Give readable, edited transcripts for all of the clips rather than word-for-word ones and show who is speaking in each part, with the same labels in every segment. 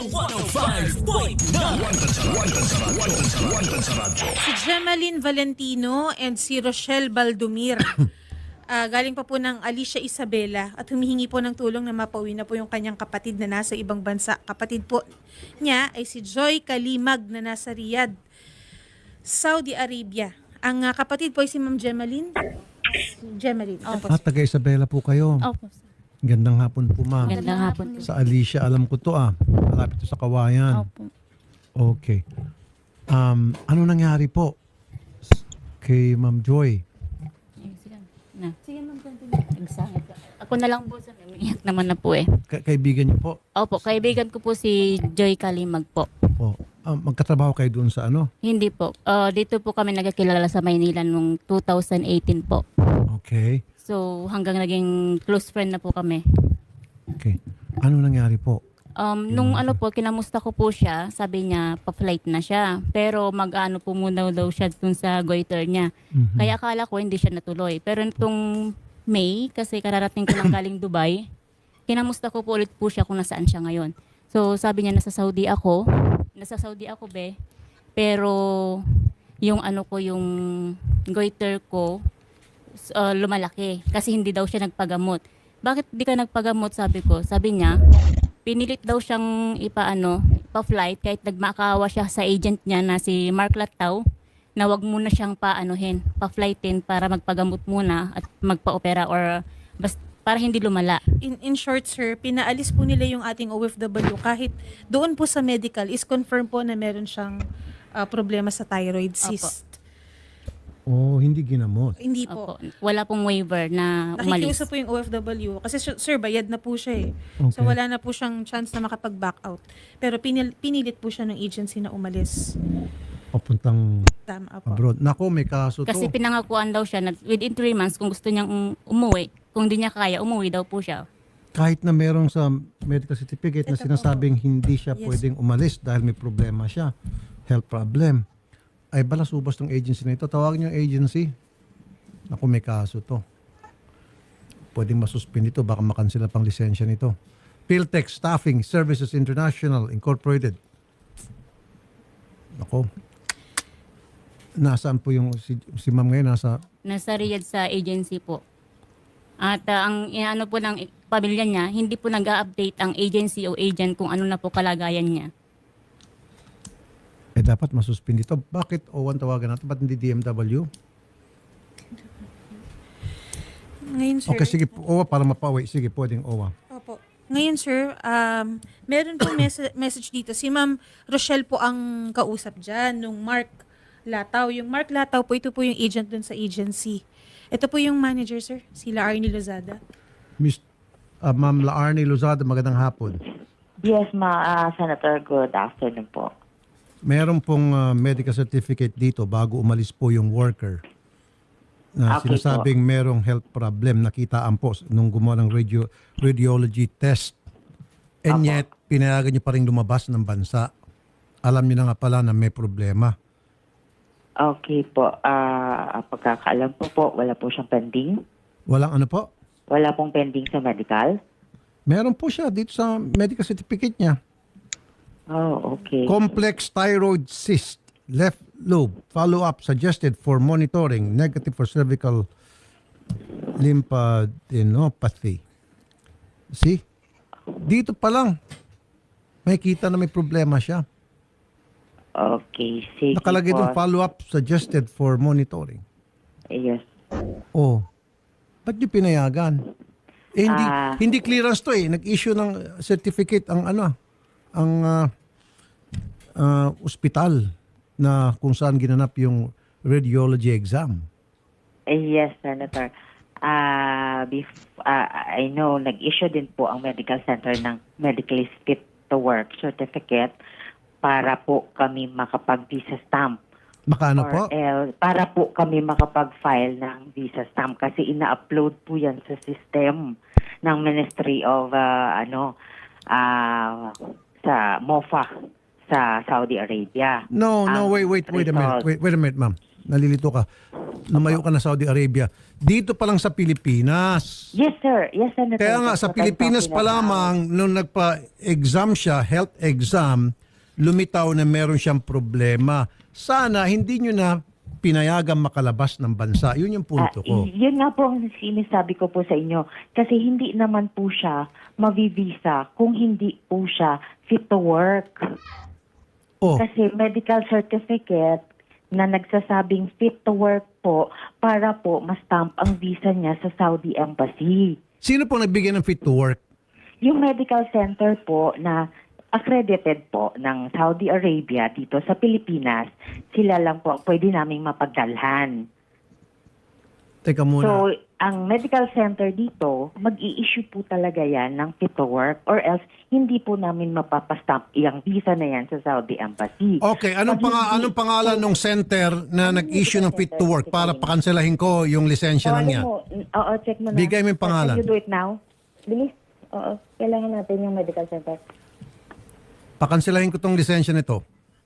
Speaker 1: Wanted sa radyo.
Speaker 2: Si Gemaline Valentino and si Rochelle Baldomir. Galing pa po ng Alicia Isabela at humihingi po ng tulong na mapauwi na po yung kanyang kapatid na nasa ibang bansa. Kapatid po niya ay si Joy Kalimag na nasa Riyadh, Saudi Arabia. Ang kapatid po ay si Ma'am Gemaline. Gemaline. Ito po.
Speaker 3: Taga Isabela po kayo.
Speaker 4: Opo, sir.
Speaker 3: Gandang hapon po, ma'am.
Speaker 4: Magandang hapon.
Speaker 3: Sa Alicia, alam ko to malapit to sa Kawayan.
Speaker 4: Opo.
Speaker 3: Okay. Ano nangyari po kay Ma'am Joy?
Speaker 4: Na. Sige, ma'am. Ako na lang po, sir. Umiyak naman na po eh.
Speaker 3: Kaibigan niyo po?
Speaker 4: Opo, kaibigan ko po si Joy Kalimag po.
Speaker 3: Po. Magkatrabaho kayo doon sa ano?
Speaker 4: Hindi po. Dito po kami nagkakilala sa Maynila noong 2018 po.
Speaker 3: Okay.
Speaker 4: So, hanggang naging close friend na po kami.
Speaker 3: Okay. Ano nangyari po?
Speaker 4: Nung ano po, kinamusta ko po siya, sabi niya, pa-flight na siya. Pero mag-ano po muna daw siya dun sa goiter niya.
Speaker 3: Mhm.
Speaker 4: Kaya akala ko hindi siya natuloy. Pero nitong May, kasi kararating ko lang galing Dubai, kinamusta ko po ulit po siya kung nasaan siya ngayon. So sabi niya, nasa Saudi ako, be. Pero yung ano ko, yung goiter ko, lumalaki. Kasi hindi daw siya nagpagamot. Bakit di ka nagpagamot, sabi ko? Sabi niya, pinilit daw siyang pa-flight kahit nagmakawa siya sa agent niya na si Mark Lataw na wag muna siyang pa-flightin para magpagamot muna at magpa-opera or para hindi lumala.
Speaker 2: In short, sir, pinaalis po nila yung ating OFW kahit doon po sa medical is confirm po na meron siyang problema sa thyroid cyst.
Speaker 3: Hindi ginamot.
Speaker 2: Hindi po.
Speaker 4: Opo. Wala pong waiver na umalis.
Speaker 2: Nakikiusap po yung OFW kasi sir, bayad na po siya eh. So
Speaker 3: Okay.
Speaker 2: wala na po siyang chance na makapag-back out. Pero pinilit po siya ng agency na umalis.
Speaker 3: Papuntang
Speaker 2: Tama po.
Speaker 3: abroad. Nako, may kaso
Speaker 4: Kasi
Speaker 3: to.
Speaker 4: pinangakuan daw siya na within 3 months kung gusto niyang umuwi, kung di niya kaya, umuwi daw po siya.
Speaker 3: Kahit na merong sa medical certificate na
Speaker 2: Ito po.
Speaker 3: sinasabing hindi siya
Speaker 2: Yes.
Speaker 3: pwedeng umalis dahil may problema siya, health problem, ay balasubas ng agency na ito. Tawagin niyo yung agency. Ako, may kaso to. Pwedeng masuspend ito, baka makansela pang lisensya nito. Philtech Staffing Services International Incorporated. Ako. Nasaan po yung si ma'am ngayon?
Speaker 4: Nasa Riyadh sa agency po. At ang ano po ng pamilya niya, hindi po nag-update ang agency o agent kung ano na po kalagayan niya.
Speaker 3: dapat masuspend ito. Bakit O1 tawagan natin? Ba't hindi DMW?
Speaker 2: Ngayon, sir.
Speaker 3: Okay, sige. OWA para mapauwi. Sige, pwedeng OWA.
Speaker 2: Opo. Ngayon, sir, meron po message dito. Si Ma'am Rochelle po ang kausap dyan, nung Mark Lataw. Yung Mark Lataw po, ito po yung agent dun sa agency. Ito po yung manager, sir, sila Arnie Lozada.
Speaker 3: Ma'am Laarnie Lozada, magandang hapon.
Speaker 5: Yes, Senator. Good afternoon po.
Speaker 3: Meron pong medical certificate dito bago umalis po yung worker na
Speaker 5: Okay
Speaker 3: sinasabing merong health problem. Nakitaan po nung gumawa ng radiology test. And
Speaker 5: Apo.
Speaker 3: yet, pinayagan niyo pa rin lumabas ng bansa. Alam niyo na nga pala na may problema.
Speaker 5: Okay po. Pagkakaalam po, wala po siyang pending.
Speaker 3: Walang ano po?
Speaker 5: Wala pong pending sa medical.
Speaker 3: Meron po siya dito sa medical certificate niya.
Speaker 5: Oh, okay.
Speaker 3: Complex thyroid cyst, left lobe, follow-up suggested for monitoring, negative for cervical lymphadenopathy. See? Dito pa lang, may kita na may problema siya.
Speaker 5: Okay, sige
Speaker 3: Nakalagay
Speaker 5: po.
Speaker 3: doon follow-up suggested for monitoring.
Speaker 5: Yes.
Speaker 3: Oh, ba't niyo pinayagan? Hindi,
Speaker 5: Ah.
Speaker 3: hindi clearance to eh. Nag-issue ng certificate ang ospital na kung saan ginanap yung radiology exam.
Speaker 5: Yes, Senator. I know, nag-issue din po ang medical center ng medically fit to work certificate para po kami makapag-visa stamp.
Speaker 3: Makano po?
Speaker 5: Para po kami makapag-file ng visa stamp kasi ina-upload po yan sa system ng Ministry of sa MOFA sa Saudi Arabia.
Speaker 3: No, wait a minute.
Speaker 5: Result.
Speaker 3: Wait a minute, ma'am. Nalilito ka. lumayo ka na Saudi Arabia. Dito pa lang sa Pilipinas.
Speaker 5: Yes, sir. Yes, Senator.
Speaker 3: Kaya nga,
Speaker 5: That's
Speaker 3: sa
Speaker 5: what I'm
Speaker 3: Pilipinas
Speaker 5: talking
Speaker 3: pa
Speaker 5: about.
Speaker 3: lamang, nung nagpa-exam siya, health exam, lumitaw na meron siyang problema. Sana hindi nyo na pinayagan makalabas ng bansa. Yun yung punto ko.
Speaker 5: Yun nga po ang sinasabi ko po sa inyo. Kasi hindi naman po siya mavivisa kung hindi po siya fit to work.
Speaker 3: Oh,
Speaker 5: Kasi medical certificate na nagsasabing fit to work po para po ma-stamp ang visa niya sa Saudi Embassy.
Speaker 3: sino po nagbigay ng fit to work?
Speaker 5: Yung medical center po na accredited po ng Saudi Arabia dito sa Pilipinas, sila lang po ang pwede naming mapagdalhan.
Speaker 3: Teka muna.
Speaker 5: So, ang medical center dito, mag-i-issue po talaga yan ng fit to work or else hindi po namin mapapastamp yung visa na yan sa Saudi Embassy.
Speaker 3: Okay, anong,
Speaker 5: Pag hindi-
Speaker 3: anong pangalan ng center na nag-issue ng fit to work para pakanselahin ko yung lisensya na niya?
Speaker 5: Oo, check mo na.
Speaker 3: Bigay mo yung pangalan.
Speaker 5: Can you do it now? Bilis. Oo, kailangan natin yung medical center.
Speaker 3: Pakanselahin ko tong lisensya nito.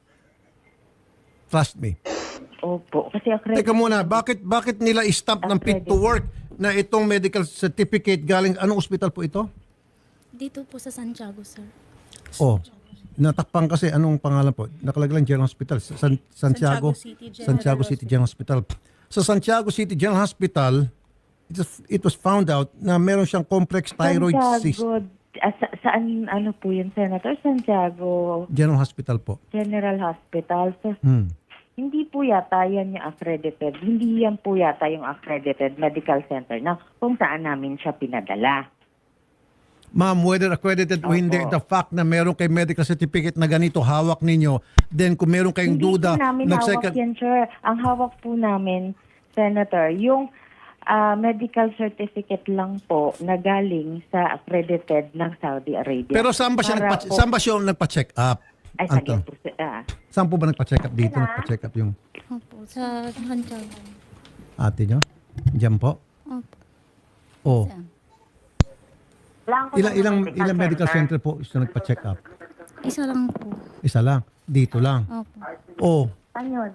Speaker 3: Trust me.
Speaker 5: Opo, kasi accredited.
Speaker 3: Teka muna, bakit nila stamp ng fit to work na itong medical certificate galing, anong ospital po ito?
Speaker 1: Dito po sa Santiago, sir.
Speaker 3: Oh, natakpan kasi, anong pangalan po? Nakalagay lang General Hospital. Santiago
Speaker 2: Santiago City General
Speaker 3: Hospital. Sa Santiago City General Hospital, it was found out na meron siyang complex thyroid cyst.
Speaker 5: Santiago, saan, ano po yun, Senator? Santiago
Speaker 3: General Hospital po.
Speaker 5: General Hospital. So,
Speaker 3: Hmm.
Speaker 5: hindi po yata yan yung accredited. Hindi yan po yata yung accredited medical center na kung saan namin siya pinadala.
Speaker 3: Ma'am, whether accredited o hindi,
Speaker 5: Opo.
Speaker 3: the fact na meron kay medical certificate na ganito hawak ninyo, then kung meron kayong
Speaker 5: Hindi
Speaker 3: duda,
Speaker 5: po namin hawak yan, sir. Ang hawak po namin, Senator, yung medical certificate lang po na galing sa accredited ng Saudi Arabia.
Speaker 3: Pero saan ba siya,
Speaker 5: Para po-
Speaker 3: saan ba siya nagpa-check up?
Speaker 5: Ay,
Speaker 3: Anton?
Speaker 5: sige po.
Speaker 3: Saan po ba nagpa-check up dito? Nagpa-check up yung
Speaker 1: Opo, sa Santiago.
Speaker 3: ate nyo? Diyan po?
Speaker 1: Opo.
Speaker 3: Oh.
Speaker 5: Lang ko
Speaker 3: Ilang
Speaker 5: ng
Speaker 3: ilang medical center po is nagpa-check up?
Speaker 1: Isa lang po.
Speaker 3: Isa lang. Dito lang.
Speaker 1: Opo.
Speaker 3: Oh.
Speaker 5: Ano yun?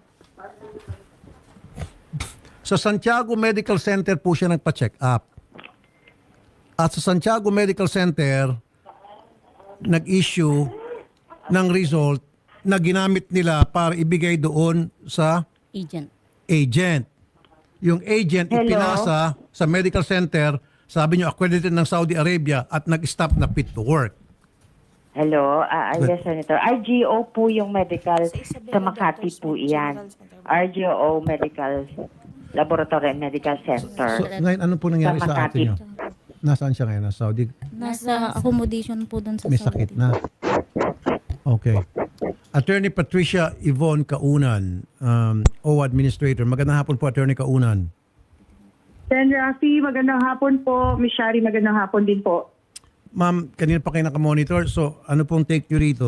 Speaker 3: Sa Santiago Medical Center po siya nagpa-check up. At sa Santiago Medical Center, nag-issue ng result na ginamit nila para ibigay doon sa
Speaker 4: Agent.
Speaker 3: agent. Yung agent
Speaker 5: Hello?
Speaker 3: ipinasa sa medical center, sabi nyo accredited ng Saudi Arabia at nag-stop na fit to work.
Speaker 5: Hello? Yes, Senator. RGO po yung medical
Speaker 2: Isabela
Speaker 5: sa Makati
Speaker 2: Doctors
Speaker 5: po
Speaker 2: General
Speaker 5: iyan.
Speaker 2: Center.
Speaker 5: RGO Medical Laboratory and Medical Center.
Speaker 3: So ngayon, ano po nangyari
Speaker 5: Sa
Speaker 3: sa ate
Speaker 5: Makati.
Speaker 3: nyo? Nasaan siya ngayon? Nasa Saudi?
Speaker 1: Nasa accommodation po doon sa
Speaker 3: May
Speaker 1: Saudi.
Speaker 3: sakit na. Okay. Attorney Patricia Yvonne Kaunan, OWA Administrator. Magandang hapon po, Attorney Kaunan.
Speaker 6: Sen. Rafi, magandang hapon po. Miss Shari, magandang hapon din po.
Speaker 3: Ma'am, kanina pa kayo nakamonitor. So, ano pong take nyo rito?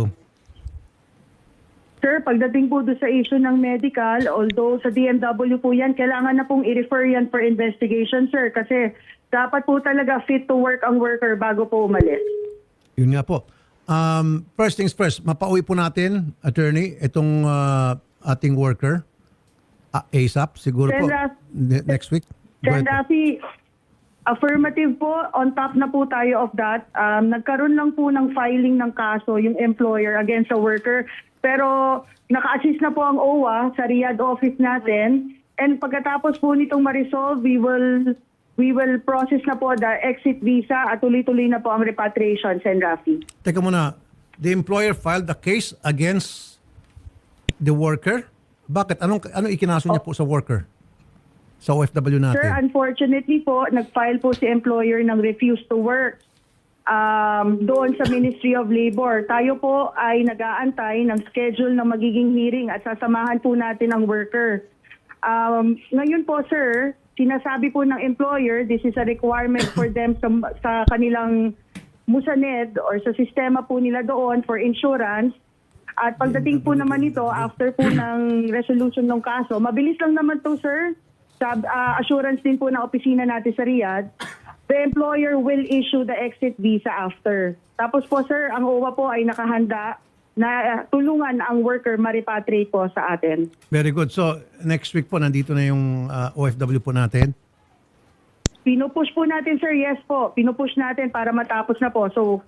Speaker 6: Sir, pagdating po doon sa issue ng medical, although sa DMW po yan, kailangan na pong i-refer yan for investigation, sir. Kasi dapat po talaga fit to work ang worker bago po umalis.
Speaker 3: Yun nga po. First things first, mapauwi po natin, Attorney, itong ating worker. ASAP, siguro po. Next week. Go
Speaker 6: Sen.
Speaker 3: ahead po.
Speaker 6: Rafi, affirmative po, on top na po tayo of that. Nagkaroon lang po ng filing ng kaso yung employer against the worker. Pero naka-assist na po ang OWA sa Riyadh office natin. And pagkatapos po nitong ma-resolve, we will process na po the exit visa at tuloy-tuloy na po ang repatriation, Sen. Rafi.
Speaker 3: Teka muna, the employer filed a case against the worker? Bakit? Ano ikinaso niya po sa worker? Sa OFW natin?
Speaker 6: Sir, unfortunately po, nag-file po si employer ng refuse to work doon sa Ministry of Labor. Tayo po ay nag-aantay ng schedule ng magiging hearing at sasamahan po natin ang worker. Ngayon po, sir, sinasabi po ng employer, this is a requirement for them sa kanilang musaned or sa sistema po nila doon for insurance. At pagdating po naman ito, after po ng resolution ng kaso, mabilis lang naman to, sir. Assurance din po ng opisina natin sa Riyadh, the employer will issue the exit visa after. Tapos po, sir, ang OWA po ay nakahanda na tulungan ang worker ma-repatriate po sa atin.
Speaker 3: Very good. So, next week po, nandito na yung OFW po natin.
Speaker 6: Pinupush po natin, sir. Yes po. Pinupush natin para matapos na po. So,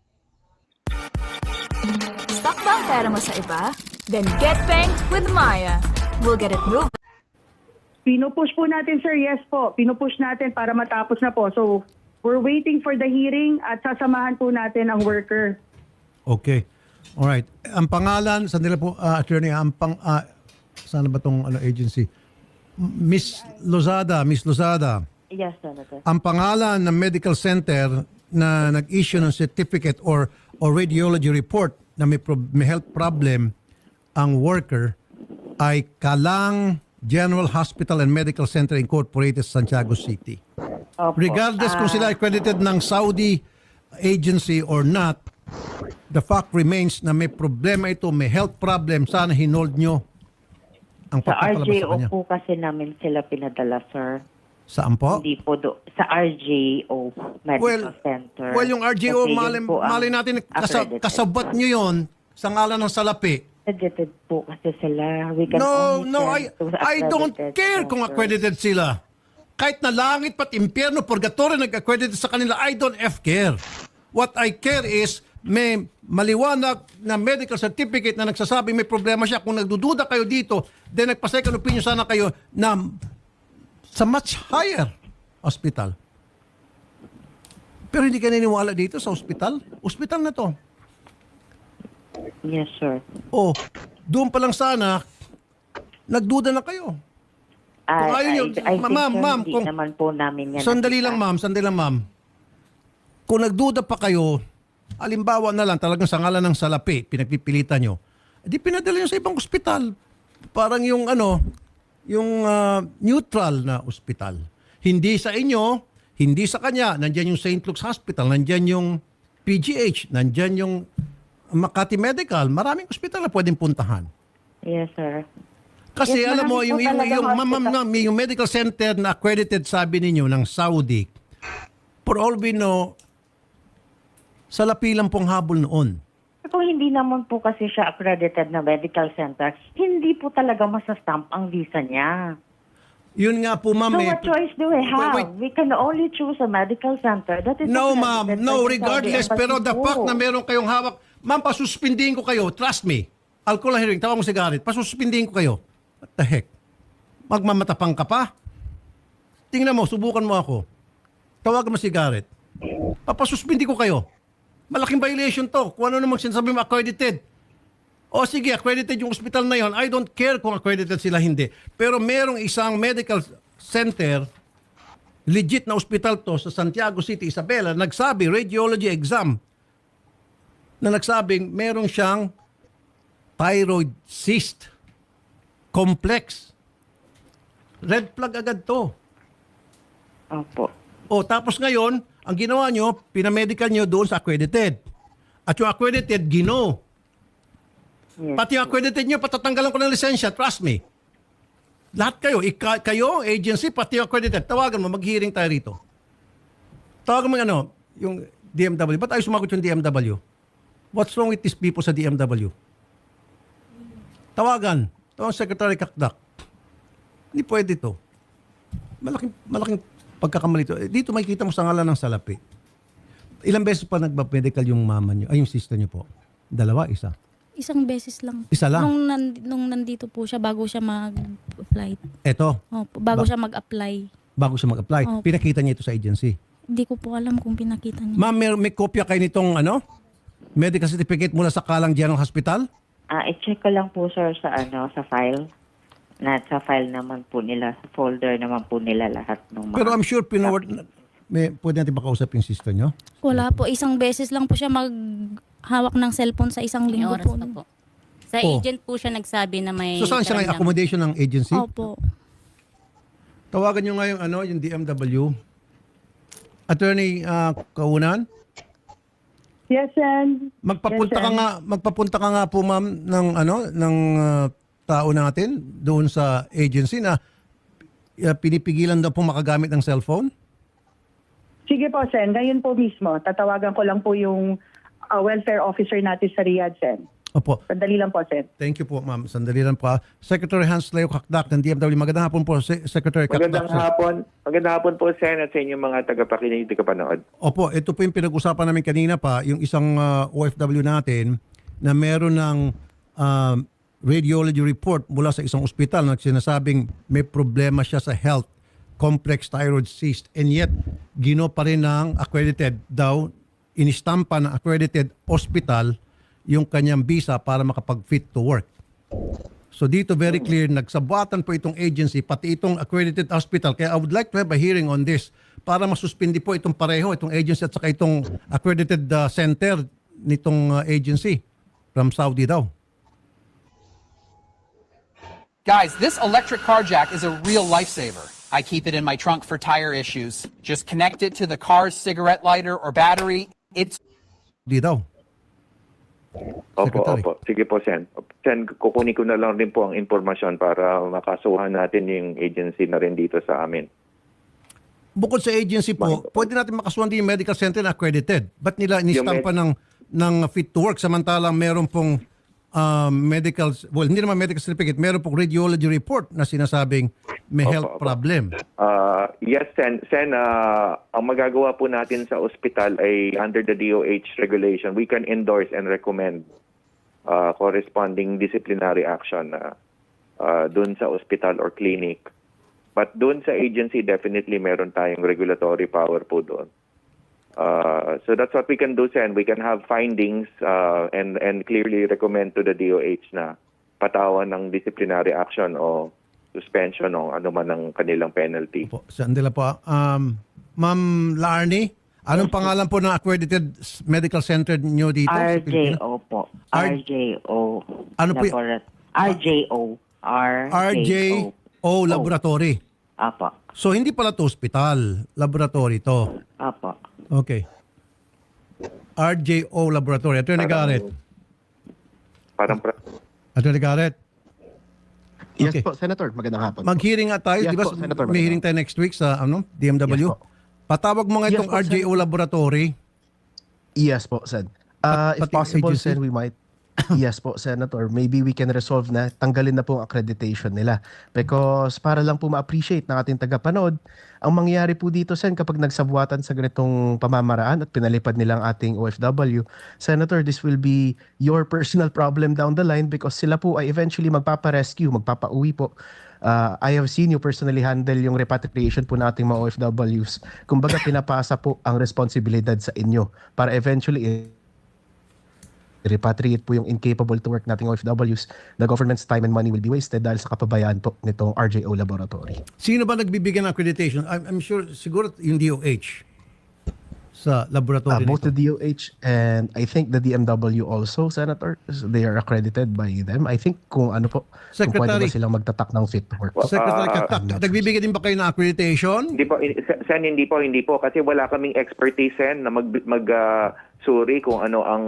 Speaker 7: Stuck ba ang pera mo sa iba? Then get banked with Maya. We'll get it moving.
Speaker 6: pinupush po natin, sir. Yes po. Pinupush natin para matapos na po. So, we're waiting for the hearing at sasamahan po natin ang worker.
Speaker 3: Okay. Alright. Ang pangalan, sandali po, attorney, sana ba tong agency? Miss Lozada.
Speaker 5: Yes, Senator.
Speaker 3: Ang pangalan ng medical center na nag-issue ng certificate or radiology report na may health problem ang worker ay Kalang General Hospital and Medical Center Incorporated, Santiago City.
Speaker 5: Opo.
Speaker 3: Regardless kung sila accredited ng Saudi agency or not, the fact remains na may problema ito, may health problem, sana hinold nyo ang
Speaker 5: Sa
Speaker 3: pagpapalabas sa
Speaker 5: RJO
Speaker 3: kanya.
Speaker 5: po kasi namin sila pinadala, sir.
Speaker 3: Saan po?
Speaker 5: Hindi po sa RJO Medical Center.
Speaker 3: Well, yung RGO,
Speaker 5: Kasi yun po ang
Speaker 3: mali natin,
Speaker 5: accredited.
Speaker 3: kasabat nyo yon sa ngalan ng salapi.
Speaker 5: Accredited po kasi sila. We can
Speaker 3: No,
Speaker 5: only
Speaker 3: no,
Speaker 5: send to the
Speaker 3: I don't
Speaker 5: accredited
Speaker 3: care kung
Speaker 5: center.
Speaker 3: accredited sila. Kahit na langit pat impyerno, purgatorio nag-accredited sa kanila, I don't care. What I care is may maliwanag na medical certificate na nagsasabing may problema siya. Kung nagdududa kayo dito, then nagpa-second opinion sana kayo na sa much higher hospital. Pero hindi kayo naniniwala dito sa hospital. Hospital na to.
Speaker 5: Yes, sir.
Speaker 3: Oh, doon pa lang sana, nagduda na kayo. Kung ayaw nyo,
Speaker 5: I think,
Speaker 3: ma'am,
Speaker 5: sir,
Speaker 3: ma'am,
Speaker 5: hindi
Speaker 3: kung-
Speaker 5: naman po namin yan.
Speaker 3: Sandali
Speaker 5: nakita.
Speaker 3: lang ma'am. Kung nagduda pa kayo, alimbawa na lang talagang sa ngalan ng salapi, pinagpipilitan nyo, di pinadala nyo sa ibang ospital. Parang yung neutral na ospital. Hindi sa inyo, hindi sa kanya. Nandyan yung St. Luke's Hospital, nandyan yung PGH, nandyan yung Makati Medical. Maraming ospital na pwedeng puntahan.
Speaker 5: Yes, sir.
Speaker 3: Kasi
Speaker 5: Yes,
Speaker 3: alam mo,
Speaker 5: marami po talagang
Speaker 3: yung medical center na accredited sabi ninyo ng Saudi, for all we know, salapi lang pong habol noon.
Speaker 5: Kung hindi naman po kasi siya accredited na medical center, hindi po talaga masastamp ang visa niya.
Speaker 3: Yun nga po, ma'am.
Speaker 5: So what choice do we have?
Speaker 3: Wait.
Speaker 5: We can only choose a medical center that is
Speaker 3: No,
Speaker 5: accredited
Speaker 3: ma'am.
Speaker 5: by
Speaker 3: No,
Speaker 5: the
Speaker 3: regardless.
Speaker 5: Saudi
Speaker 3: Pero
Speaker 5: Embassy
Speaker 3: the
Speaker 5: po.
Speaker 3: fact na meron kayong hawak, ma'am, pasuspindihin ko kayo. Trust me. Alcohol hearing, tawag mo si Garrett. Pasuspindihin ko kayo. What the heck? Magmamatapang ka pa? Tingnan mo, subukan mo ako. Tawagan mo si Garrett. Papasuspindi ko kayo. Malaking violation to. Kung ano namang sinasabi mo, accredited. O sige, accredited yung hospital na yon. I don't care kung accredited sila hindi. Pero merong isang medical center, legit na hospital to sa Santiago City, Isabela, nagsabi, radiology exam, na nagsabing merong siyang thyroid cyst complex. Red flag agad to.
Speaker 5: Opo.
Speaker 3: O tapos ngayon, ang ginawa nyo, pinamedical nyo doon sa accredited. At yung accredited, gino.
Speaker 5: Yes.
Speaker 3: Pati yung accredited nyo, patatanggalan ko ng lisensya, trust me. Lahat kayo, kayo, agency, pati yung accredited, tawagan mo, mag-hearing tayo rito. Tawagan mo yung DMW. Ba't ayaw sumagot yung DMW? What's wrong with these people sa DMW? Tawagan Secretary Kakdak. Hindi pwede to. Malaking pagkakamali to. Dito makikita mo sa ngalan ng salapi. Ilang beses pa nagpa-medical yung mama nyo, ay yung sister nyo po? Dalawa, isa?
Speaker 1: Isang beses lang.
Speaker 3: Isa lang?
Speaker 1: Nung nandito po siya bago siya mag-apply.
Speaker 3: Eto,
Speaker 1: Opo, bago siya mag-apply.
Speaker 3: bago siya mag-apply.
Speaker 1: Opo.
Speaker 3: Pinakita niya ito sa agency.
Speaker 1: Hindi ko po alam kung pinakita niya.
Speaker 3: Ma'am, may kopya kayo nitong medical certificate mula sa Kalang General Hospital?
Speaker 5: I-check ko lang po, sir, sa file. Sa file naman po nila, sa folder naman po nila lahat ng mga...
Speaker 3: Pero I'm sure pwede natin makausap yung sister nyo?
Speaker 1: Wala po. Isang beses lang po siya maghawak ng cellphone sa isang
Speaker 4: May
Speaker 1: linggo
Speaker 4: oras
Speaker 1: po.
Speaker 4: pa po. Sa
Speaker 3: Oh.
Speaker 4: agent po siya nagsabi na may...
Speaker 3: So saan siya ngayon? Accommodation ng agency?
Speaker 1: Opo.
Speaker 3: Tawagan nyo nga yung DMW. Attorney Kaunan?
Speaker 6: Yes, Sen.
Speaker 3: Magpapunta ka nga po ma'am ng tao natin doon sa agency na pinipigilan daw po makagamit ng cellphone.
Speaker 6: Sige po, Sen. Ngayon po mismo, tatawagan ko lang po yung welfare officer natin sa Riyadh, Sen.
Speaker 3: Opo.
Speaker 6: Sandali lang po, Sen.
Speaker 3: Thank you po, ma'am. Sandali lang po. Secretary Hans Leo Kakdak ng DMW. Magandang hapon po, Secretary Kakdak.
Speaker 8: Magandang hapon po, Sen, at sa inyong mga tagapakinig, tagapanood.
Speaker 3: Opo, ito po yung pinag-usapan namin kanina pa, yung isang OFW natin na meron ng radiology report mula sa isang ospital na sinasabing may problema siya sa health, complex thyroid cyst, and yet gino pa rin ng accredited daw, inistampa ng accredited hospital yung kanyang visa para makapag-fit to work. So dito very clear, nagsabuatan po itong agency, pati itong accredited hospital. Kaya I would like to have a hearing on this para masuspindi po itong pareho, itong agency at saka itong accredited center nitong agency from Saudi daw.
Speaker 9: Guys, this electric car jack is a real lifesaver. I keep it in my trunk for tire issues. Just connect it to the car's cigarette lighter or battery. It's
Speaker 3: Di daw. Secretary.
Speaker 8: Opo. Sige po, Sen. Sen, kukunin ko na lang rin po ang informasyon para makasuhan natin yung agency na rin dito sa amin.
Speaker 3: Bukod sa agency po, pwede natin makasuhan din yung medical center na accredited. Ba't nila inistampa ng fit to work samantalang meron pong medical, well, hindi naman medical certificate, meron pong radiology report na sinasabing may health problem.
Speaker 8: Yes, Sen. Sen, ang magagawa po natin sa ospital ay under the DOH regulation, we can endorse and recommend corresponding disciplinary action dun sa ospital or clinic. But dun sa agency, definitely meron tayong regulatory power po doon. So that's what we can do, Sen. We can have findings and clearly recommend to the DOH na patawan ng disciplinary action o suspension o ano man ang kanilang penalty.
Speaker 3: Po, sandila po. Ma'am Larnie, anong pangalan po ng accredited medical center niyo dito? sa Pilipinas?
Speaker 5: RJO po.
Speaker 3: R-
Speaker 5: RJO.
Speaker 3: Ano po y-
Speaker 5: RJO.
Speaker 3: RJO Laboratory.
Speaker 5: Apo.
Speaker 3: So hindi pala to hospital, laboratory to.
Speaker 5: Apo.
Speaker 3: Okay. RJO Laboratory. Attorney Garrett. Attorney Garrett.
Speaker 10: Yes
Speaker 3: Okay.
Speaker 10: po, Senator. Magandang hapon.
Speaker 3: Mag-hearing nga tayo.
Speaker 10: Yes
Speaker 3: Di ba
Speaker 10: po, Senator,
Speaker 3: may hearing tayo next week sa DMW?
Speaker 10: Yes po.
Speaker 3: Patawag mo nga
Speaker 10: Yes
Speaker 3: itong
Speaker 10: po,
Speaker 3: RJO Laboratory.
Speaker 10: Yes po, Sen. If
Speaker 3: pati
Speaker 10: possible,
Speaker 3: agency?
Speaker 10: Sen, we might. Yes po, Senator. Maybe we can resolve na tanggalin na po ang accreditation nila. Because para lang po ma-appreciate ng ating tagapanood, ang mangyayari po dito, Sen, kapag nagsabuatan sa ganitong pamamaraan at pinalipad nilang ating OFW, Senator, this will be your personal problem down the line because sila po ay eventually magpapa-rescue, magpapa-uwi po. I have seen you personally handle yung repatriation po nating mga OFWs. Kumbaga, pinapasa po ang responsibilidad sa inyo para eventually repatriate po yung incapable to work nating OFWs. The government's time and money will be wasted dahil sa kapabayaan po nitong RJO Laboratory.
Speaker 3: Sino ba nagbibigyan ng accreditation? I'm sure, siguro yung DOH sa laboratory
Speaker 10: Both
Speaker 3: nito.
Speaker 10: the DOH and I think the DMW also, Senator, they are accredited by them. I think kung ano po, kung pwede
Speaker 3: Secretary.
Speaker 10: ba silang magtatak ng fit to work.
Speaker 3: Secretary Katak, nagbibigay din ba kayo ng accreditation?
Speaker 8: Hindi po, Sen, hindi po kasi wala kaming expertise, Sen, na suri kung ano ang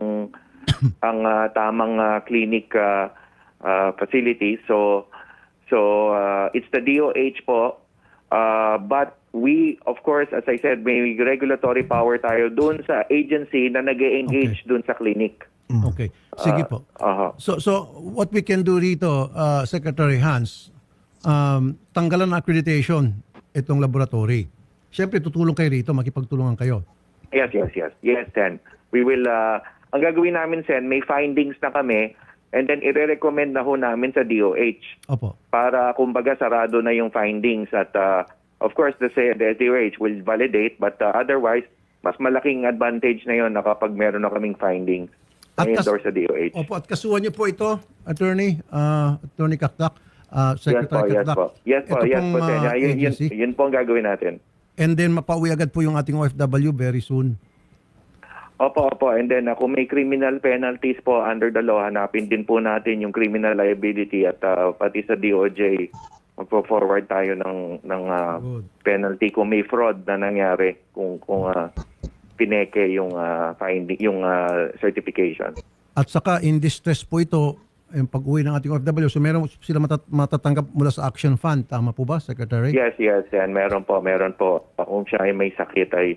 Speaker 8: tamang clinic facility. So it's the DOH po. But we, of course, as I said, may regulatory power tayo doon sa agency na nag-engage doon sa clinic.
Speaker 3: Okay. Sige po. So what we can do rito, Secretary Hans, tanggalan ng accreditation itong laboratory. Siyempre, tutulong kayo rito, makipagtulungan kayo.
Speaker 8: Yes, Sen. We will, ang gagawin namin, Sen, may findings na kami and then i-recommend na ho namin sa DOH
Speaker 3: Opo.
Speaker 8: para kumbaga sarado na yung findings at of course the DOH will validate but otherwise mas malaking advantage na yon na kapag meron na kaming findings na endorse sa DOH.
Speaker 3: Opo, at kasuhan niyo po ito, Attorney Kakdak, Secretary Kakdak.
Speaker 8: Yes po,
Speaker 3: Ito
Speaker 8: Sen.
Speaker 3: pong, agency.
Speaker 8: Yun po ang gagawin natin.
Speaker 3: And then mapauwi agad po yung ating OFW very soon.
Speaker 8: Opo. And then kung may criminal penalties po under the law, hanapin din po natin yung criminal liability at pati sa DOJ magpo-forward tayo ng penalty kung may fraud na nangyari kung pineke yung finding yung certification.
Speaker 3: At saka in distress po ito yung pag-uwi ng ating OFW. So meron sila matatanggap mula sa Action Fund. Tama po ba, Secretary?
Speaker 8: Yes, and meron po. Kung siya ay may sakit ay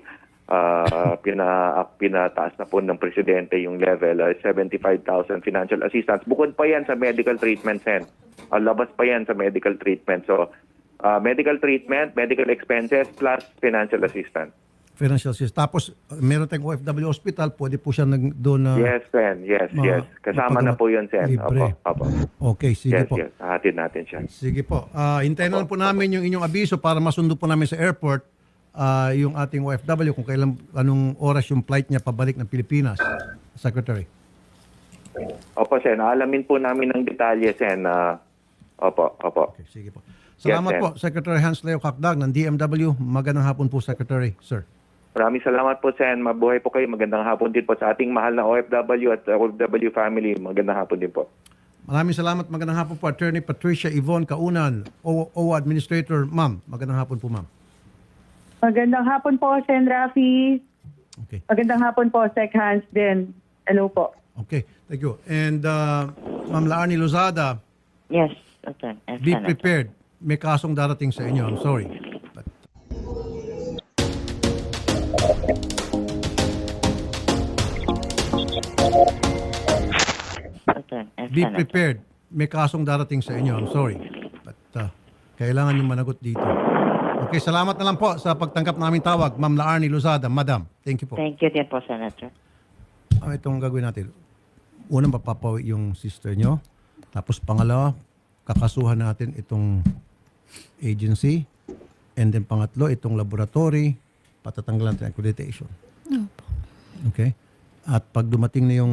Speaker 8: pinataas na po ng presidente yung level, 75,000 financial assistance. Bukod pa yan sa medical treatment, Sen. Labas pa yan sa medical treatment. So, medical treatment, medical expenses, plus financial assistance.
Speaker 3: Financial assistance. Tapos, meron tayong OFW hospital, pwede po siya doon na...
Speaker 8: Yes, Sen. Yes, yes. Kasama na po yun, Sen.
Speaker 3: Libre.
Speaker 8: Opo.
Speaker 3: Okay, sige
Speaker 8: Yes,
Speaker 3: po.
Speaker 8: yes. Hahatid natin siya.
Speaker 3: Sige po. Hintayin na lang po namin yung inyong abiso para masundo po namin sa airport yung ating OFW kung anong oras yung flight niya pabalik ng Pilipinas. Secretary.
Speaker 8: Opo, Sen. Alamin po namin ng detalye, Sen. Opo.
Speaker 3: Okay, sige po. Salamat
Speaker 8: Yes,
Speaker 3: po, Secretary Hans Leo Kakdag ng DMW. Magandang hapon po, Secretary. Sir.
Speaker 8: Maraming salamat po, Sen. Mabuhay po kayo. Magandang hapon din po sa ating mahal na OFW at OFW family. Magandang hapon din po.
Speaker 3: Maraming salamat. Magandang hapon po, Attorney Patricia Yvonne Kaunan, OWA Administrator. Ma'am, magandang hapon po, ma'am.
Speaker 6: Magandang hapon po, Sen. Rafi.
Speaker 3: Okay.
Speaker 6: Magandang hapon po, Sec Hans din. Hello po.
Speaker 3: Okay, thank you. And Ma'am Laarni Lozada,
Speaker 5: Yes, okay.
Speaker 3: be prepared. May kasong darating sa inyo. I'm sorry. But be prepared. May kasong darating sa inyo. I'm sorry. But kailangan yung managot dito. Okay, salamat na lang po sa pagtanggap namin tawag. Ma'am Laarni Lozada, Madam. Thank you po.
Speaker 5: Thank you din po, Senator.
Speaker 3: Itong gagawin natin. Unang papapawi yung sister nyo. Tapos pangalawa, kakasuhan natin itong agency. And then pangatlo, itong laboratory. Patatanggalan natin accreditation. Okay? At pag dumating na yung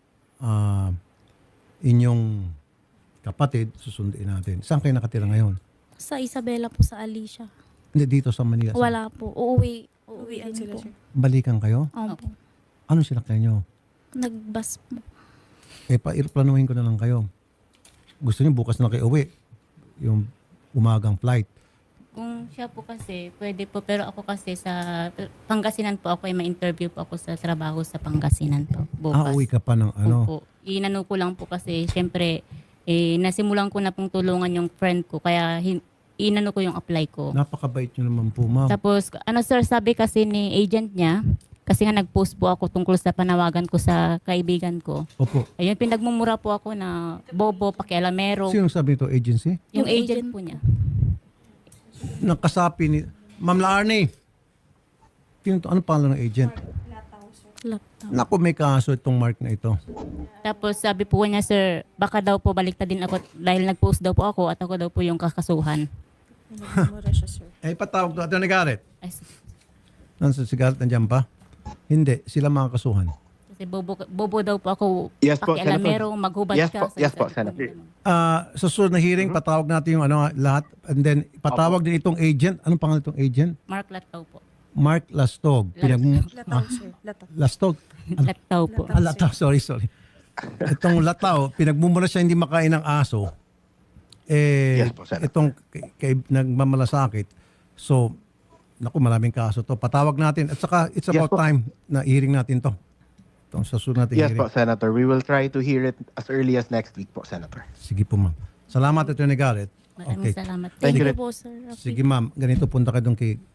Speaker 3: inyong kapatid, susundin natin. Saan kayo nakatira ngayon?
Speaker 1: Sa Isabela po, sa Alicia.
Speaker 3: Hindi, dito sa Manila. Saan?
Speaker 1: Wala po. Uuwi
Speaker 2: Uwian
Speaker 1: din
Speaker 2: sila,
Speaker 1: po.
Speaker 2: sir.
Speaker 3: Balikan kayo?
Speaker 1: Opo.
Speaker 3: Ano sila kayo?
Speaker 1: Nagbus po.
Speaker 3: Pa-planuhin ko na lang kayo. Gusto niyo bukas na kayo uwi. Yung umagang flight.
Speaker 4: Kung siya po kasi, pwede po. Pero ako kasi sa Pangasinan po ako, may interview po ako sa trabaho sa Pangasinan po. Bukas.
Speaker 3: Uwi ka pa ng ano?
Speaker 4: Opo. Inano ko lang po kasi, syempre, nasimulan ko na pong tulungan yung friend ko. Kaya inano ko yung apply ko.
Speaker 3: Napakabait nyo naman po, ma'am.
Speaker 4: Tapos, sir, sabi kasi ni agent niya, kasi nga nag-post po ako tungkol sa panawagan ko sa kaibigan ko.
Speaker 3: Opo.
Speaker 4: Ayun, pinagmumura po ako na bobo, pakialamero.
Speaker 3: Sino sabi ito? Agency?
Speaker 4: Yung
Speaker 1: Yung
Speaker 4: agent
Speaker 1: agent
Speaker 4: po niya.
Speaker 3: Nakasapi ni... Ma'am Laarni. Ano pangalan ng agent?
Speaker 1: Laptop.
Speaker 3: Naku, may kaso itong Mark na ito.
Speaker 4: Tapos sabi po niya, sir, baka daw po baliktad din ako dahil nag-post daw po ako at ako daw po yung kakasuhan.
Speaker 2: Nagmumura siya, sir.
Speaker 3: Patawag to. Ito Garrett.
Speaker 4: Ay,
Speaker 3: Nasa si Garrett nandiyan pa? Hindi. Sila mga kasuhan.
Speaker 4: kasi bobo daw po ako,
Speaker 10: Yes po,
Speaker 4: pakialamero,
Speaker 10: Senator.
Speaker 4: maghubad
Speaker 10: Yes
Speaker 4: ka.
Speaker 10: po, yes po,
Speaker 4: sabi ko,
Speaker 10: Senator.
Speaker 4: ganun.
Speaker 3: Sa susunod na hearing, patawag natin yung lahat. And then, patawag din itong agent. Anong pangalan itong agent?
Speaker 4: Mark Lataw po.
Speaker 3: Mark Lastog.
Speaker 2: Lataw, sir. Lataw.
Speaker 3: Lastog?
Speaker 4: Lataw po.
Speaker 3: Lataw, sorry. Itong Lataw, pinagmumula siya hindi makain ng aso.
Speaker 10: Yes po, Senator.
Speaker 3: Itong nagmamalasakit. So, naku, maraming kaso to. Patawag natin. At saka, it's
Speaker 10: Yes
Speaker 3: about
Speaker 10: po.
Speaker 3: time na hearing natin to. Itong sa susunod natin
Speaker 10: Yes
Speaker 3: hearing.
Speaker 10: po, Senator. We will try to hear it as early as next week po, Senator.
Speaker 3: Sige po, ma'am. Salamat, Atty. Garrett.
Speaker 4: Maraming salamat.
Speaker 3: Sige.
Speaker 1: Thank you po, sir. Rafi.
Speaker 3: Sige, ma'am. Ganito, punta ka doon kay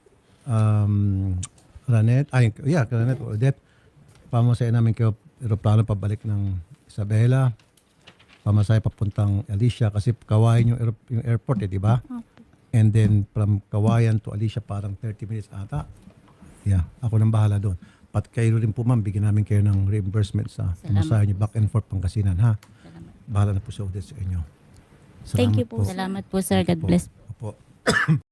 Speaker 3: Ranet. Kay Ranet o Odette. Pamasahe namin kayo aeroplano pabalik ng Isabela. Pamasahe papuntang Alicia kasi Kawayan yung airport, di ba? And then from Kawayan to Alicia parang 30 minutes ata. Yeah, ako nang bahala doon. Pat kayo rin po, ma'am, bigyan namin kayo ng reimbursement sa pamasahe niyo back and forth Pangasinan, ha? Bahala na po si Odette sa inyo.
Speaker 1: Thank you po.
Speaker 4: Salamat po, sir.
Speaker 3: Thank you
Speaker 4: God bless.
Speaker 3: Opo.